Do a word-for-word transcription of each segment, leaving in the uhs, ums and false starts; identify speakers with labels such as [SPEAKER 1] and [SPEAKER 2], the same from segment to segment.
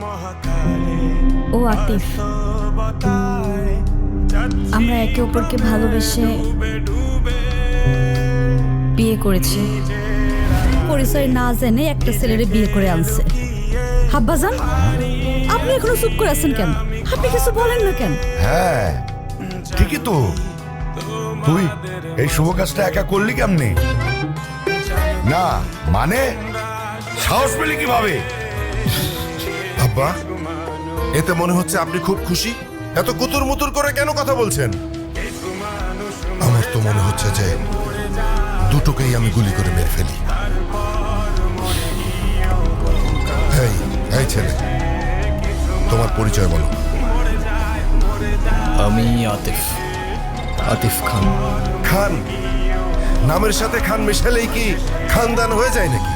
[SPEAKER 1] ও আতিফ, আমরা একে অপরকে ভালোবেসে বিয়ে করেছি। পরিচয় না জেনে একটা ছেলেরে বিয়ে করে আনছে। হাব্বাজান, আপনি এখনো চুপ করে আছেন কেন? আপনি কিছু বলেন না কেন?
[SPEAKER 2] হ্যাঁ ঠিকই তো, তুই এই শুভ কাজটা একা করলি কেমনি? না মানে সাহস পেলি কিভাবে?
[SPEAKER 3] আব্বা, এতে মনে হচ্ছে আপনি খুব খুশি। এত কুতুর মুতুর করে কেন কথা বলছেন? আমার তো মনে হচ্ছে যে দুটোকেই আমি গুলি করে মেরে ফেলি। এই এই ছেলে, তোমার পরিচয় বলো।
[SPEAKER 4] আমি আতিফ, আতিফ খান।
[SPEAKER 3] খান? নামের সাথে খান মেশালেই কি খানদান হয়ে যায় নাকি?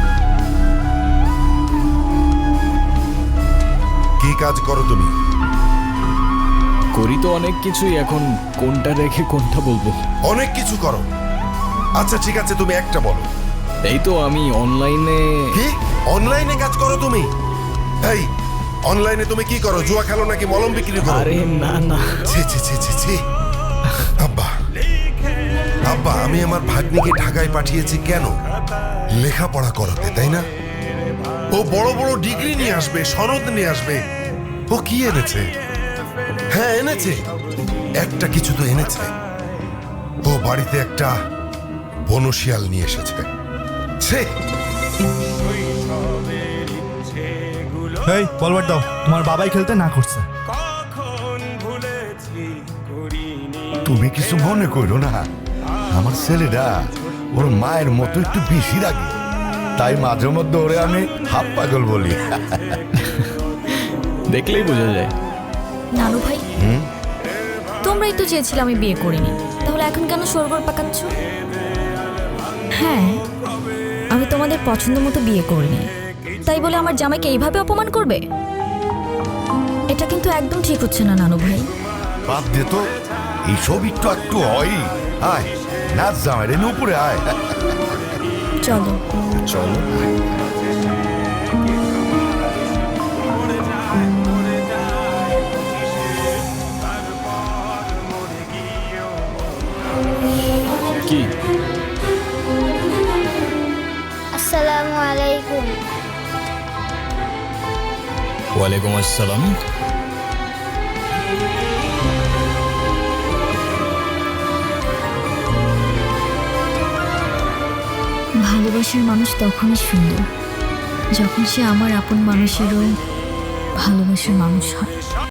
[SPEAKER 3] কি কাজ করো তুমি?
[SPEAKER 4] করি তো অনেক কিছুই, এখন কোনটা রেখে কোনটা বলবো?
[SPEAKER 3] অনেক কিছু করো। আচ্ছা ঠিক আছে, তুমি একটা বলো।
[SPEAKER 4] এই তো আমি অনলাইনে।
[SPEAKER 3] কি অনলাইনে কাজ করো তুমি? এই অনলাইনে তুমি কি করো? জুয়া খেলো নাকি মলম বিক্রি করো?
[SPEAKER 4] আরে না না,
[SPEAKER 3] ছি ছি ছি ছি ছি। আব্বা, আব্বা আমি আমার ভাগ্নিকে ঢাকায় পাঠিয়েছি কেন? লেখাপড়া করাতে, তাই না? ও বড় বড় ডিগ্রি নিয়ে আসবে, সনদ নিয়ে আসবে। ও কি এনেছে? হ্যাঁ এনেছে, একটা কিছু তো এনেছে। ও বাড়িতে একটা বনশিয়াল নিয়ে এসেছে। ছে
[SPEAKER 5] এই বলবার দাও, তোমার বাবাই খেলতে না করছে।
[SPEAKER 2] তুমি কিছু মনে করো না, আমার ছেলেটা ওর মায়ের মতো একটু বেশি রাগে, তাই মাঝে মধ্যে ওরে আমি হাফ পাগল বলি।
[SPEAKER 4] দেখলেই বোঝা যায়।
[SPEAKER 1] নানু ভাই, তোমরাই তো চেয়েছিলে আমি বিয়ে করিনি, তাহলে এখন কেন সরগর পাকাচ্ছ? হ্যাঁ, আমি তোমাদের পছন্দ মতো বিয়ে করিনি, তাই বলে আমার জামাইকে এইভাবে অপমান করবে? এটা কিন্তু একদম ঠিক হচ্ছে না নানু ভাই।
[SPEAKER 2] বাদ দে তো, এইসব একটু একটু হয়। আয় নাচ জামাই রে, উপরে আয়।
[SPEAKER 1] চলো
[SPEAKER 4] চলো। কি?
[SPEAKER 6] আসসালামু আলাইকুম।
[SPEAKER 4] ওয়ালাইকুম আসসালাম।
[SPEAKER 1] ভালোবাসার মানুষ তখনই সুন্দর যখন সে আমার আপন মানুষেরও ভালোবাসার মানুষ হয়।